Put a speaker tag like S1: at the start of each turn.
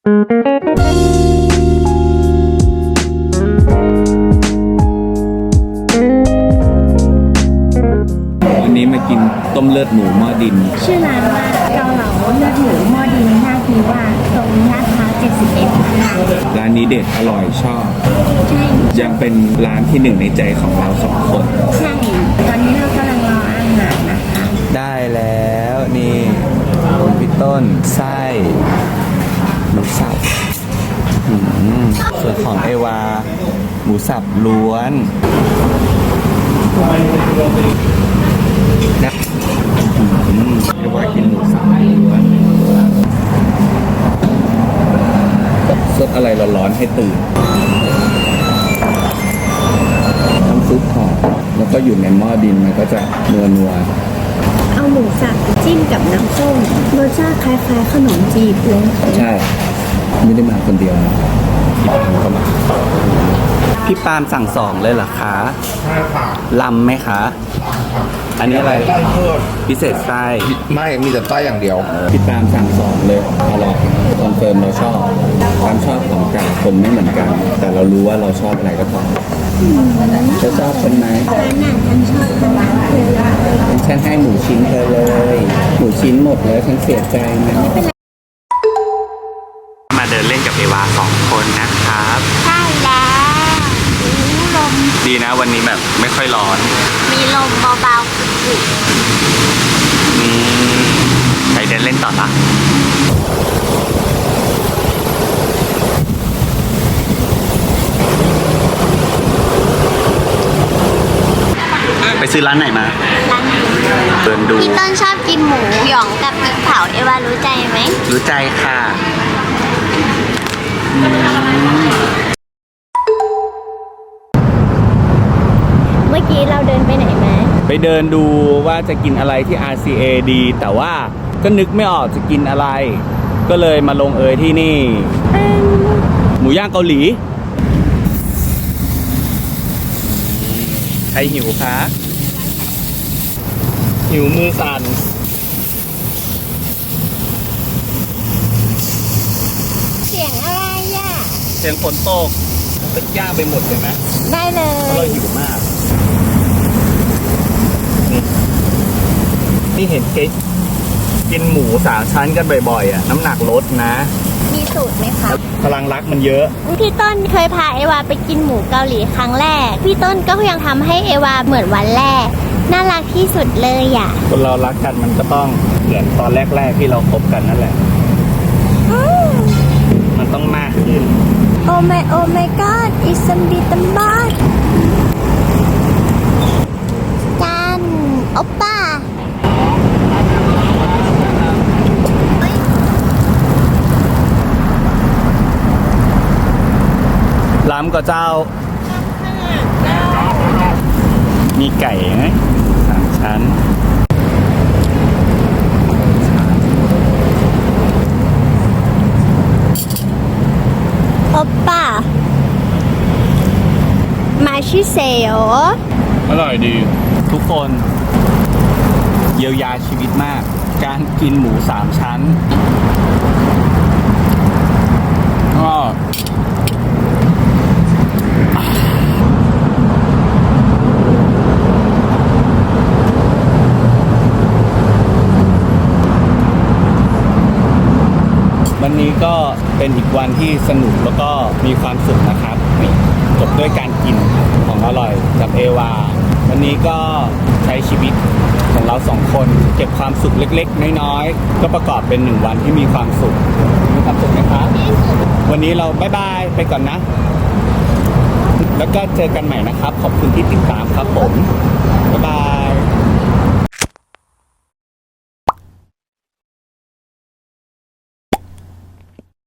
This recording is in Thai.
S1: วันนี้มากินต้มเลือดหมูหม้อดิน
S2: ชื่อร้านว่าเกาเหลาเลือดหมูหม้อดินท่าทีว่าตรงลาดพร้าว71ค่ะ
S1: ร้านนี้เด็ดอร่อยชอบ
S2: ใช่
S1: ยังเป็นร้านที่หนึ่งในใจของเราสองคน
S2: ใช่ตอนนี้เรากำลังรออาหารนะคะ
S1: ได้แล้วนี่พี่ต้นไส้หมูสับส่วนของเอวาหมูสับล้วนนะเอวากินหมูสับล้วนซดอะไรร้อนๆให้ตื่นน้ำซุปหอมแล้วก็อยู่ในหม้อดินมันก็จะนัว
S2: เอาหมูสับจิ้มกับน้ำส้มรสชาติคล้ายๆขนมจีบเลย
S1: ใช่ไม่ได้มาคนเดียวนะพี่ปามก็มาพี่ปามสั่งสองเลยเหรอคะใช่ค่ะลำไหมคะอันนี้อะไรพิเศษไส้
S3: ไม่มีแต่ไส้อย่างเดียว
S1: พี่ปามสั่งสองเลยอร่อยคอนเฟิร์มเราชอบความชอบของแต่ละคนไม่เหมือนกัน แต่เรารู้ว่าเราชอบอะไรก็พอจะชอบคนไหน
S2: ร้านไหนฉันชอบร้านเธอ
S1: ฉันให้หมูชิ้นเธอเลยหมูชิ้นหมดแล้วฉันเสียใจนะมาเดินเล่นกับเอวา2 คนนะครับ
S2: ใช่แล้วลม
S1: ดีนะวันนี้แบบไม่ค่อยร้อน
S2: มีลมเบาๆกุ่
S1: ไปเดินเล่นต่อละไปซื้อร้านไหนมา
S2: ร้าน
S1: เดินดู
S2: พี่ต้นชอบกินหมูหยองกับพริกเผาเอวารู้ใจไหม
S1: รู้ใจค่ะ
S2: เมื่อกี้เราเดินไปไหนมา
S1: ไปเดินดูว่าจะกินอะไรที่ RCA ดีแต่ว่าก็นึกไม่ออกจะกินอะไรก็เลยมาลงที่นี่หมูย่างเกาหลีใครหิวคะหิวมือสั่น
S2: เสียงอะไรอ่ะ
S1: เสียงฝนตกตึกย่างไปหมดเลยไหม
S2: ได้เลย
S1: เพราะเราหิวมากนี่เห็นกินหมู3 ชั้นกันบ่อยๆอ่ะน้ำหนักลดนะ
S2: มีสูตรไหมคะ
S1: พลังรักมันเยอะ
S2: พี่ต้นเคยพาเอวาไปกินหมูเกาหลีครั้งแรกพี่ต้นก็พยายามทำให้เอวาเหมือนวันแรกน่ารักที่สุดเลยอ่ะ
S1: คนเรารักกันมันก็ต้องเหมือนตอนแรกๆที่เราคบกันนั่นแหละมันต้องมากขึ้น
S2: โอ้ไม่ก็อดอิสมบิตัมบาสกันโอป้า
S1: ล้ำกับเจ้ามีไก่ไหม3 ชั้น
S2: โอป้ามาชิเซโอ
S1: อร่อยดีทุกคนเยียวยาชีวิตมากการกินหมู3 ชั้นก็วันนี้ก็เป็นอีกวันที่สนุกแล้วก็มีความสุขนะครับจบด้วยการกินของอร่อยกับเอวาวันนี้ก็ใช้ชีวิตของเรา2 คนเก็บความสุขเล็กๆน้อยๆก็ประกอบเป็น1 วันที่มีความสุขมีความสุขไหมครับวันนี้เราบ๊ายบายไปก่อนนะแล้วก็เจอกันใหม่นะครับขอบคุณที่ติดตามครับผม